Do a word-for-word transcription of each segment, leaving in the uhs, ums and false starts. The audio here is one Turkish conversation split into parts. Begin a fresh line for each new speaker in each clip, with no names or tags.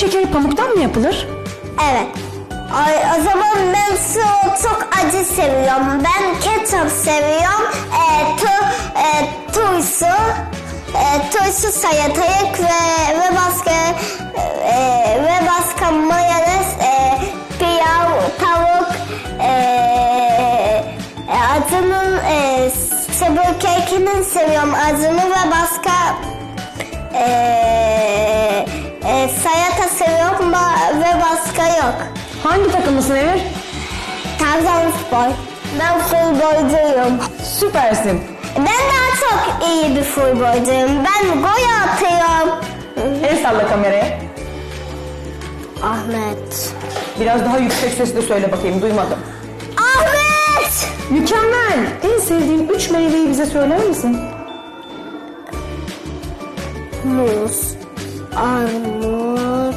şekeri pamuktan mı yapılır?
Evet. Ay, o zaman ben su çok acı seviyorum. Ben ketçap seviyorum. E, tu, e, turşu, e, turşu salatalık ve ve başka e, ve başka mayonez, e, pilav, tavuk, e, e, acının e, sabır kekini seviyorum. Acını ve başka e, e, salata seviyorum ve başka yok.
Hangi takımlısın Emir?
Trabzonspor. Ben futbolcuyum.
Süpersin.
Ben daha çok iyi bir futbolcuyum. Ben gol atıyorum.
El salla kameraya.
Ahmet.
Biraz daha yüksek sesle söyle bakayım, duymadım.
Ahmet!
Mükemmel. En sevdiğin üç meyveyi bize söyler misin?
Muz, armut,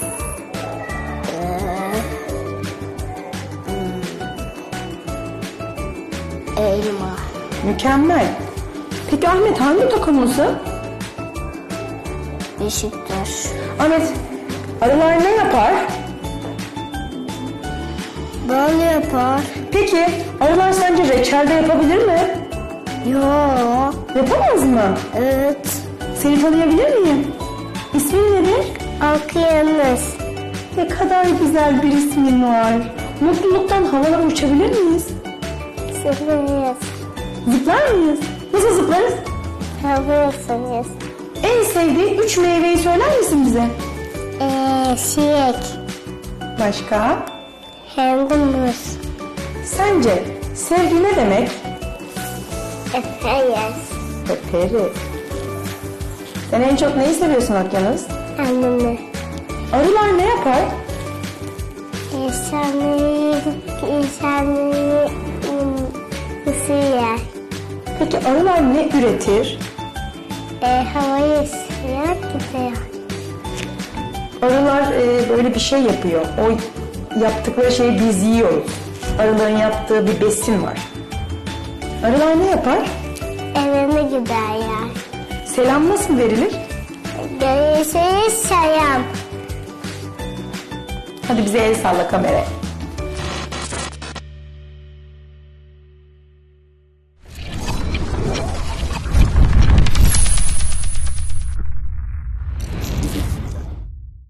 elma.
Mükemmel. Peki Ahmet hangi takımlısın?
Beşiktaş.
Ahmet, arılar ne yapar?
Bal yapar.
Peki arılar sence reçelde yapabilir mi?
Yok.
Yapamaz mı?
Evet.
Seni tanıyabilir miyim? İsmin nedir?
Okyanus.
Ne kadar güzel bir ismin var. Mutluluktan havalara uçabilir miyiz?
Sıfırız.
Zıplar mıyız? Nasıl zıplarız?
Sıfırsınız.
En sevdiğin üç meyveyi söyler misin bize?
Eee, şiyek.
Başka?
Hem de muz.
Sence sevgi ne demek?
Efendim.
Öperiz. Sen en çok neyi seviyorsun Okyanus?
Annemi.
Arılar ne yapar?
İnsanları, insanları ısırıyor.
Peki arılar ne üretir?
E, havayı ısırıyor, gidiyor.
Arılar e, böyle bir şey yapıyor. O yaptıkları şeyi biz yiyoruz. Arıların yaptığı bir besin var. Arılar ne yapar?
Evine gider ya.
Selam nasıl verilir?
Görüşürüz selam.
Hadi bize el salla kameraya.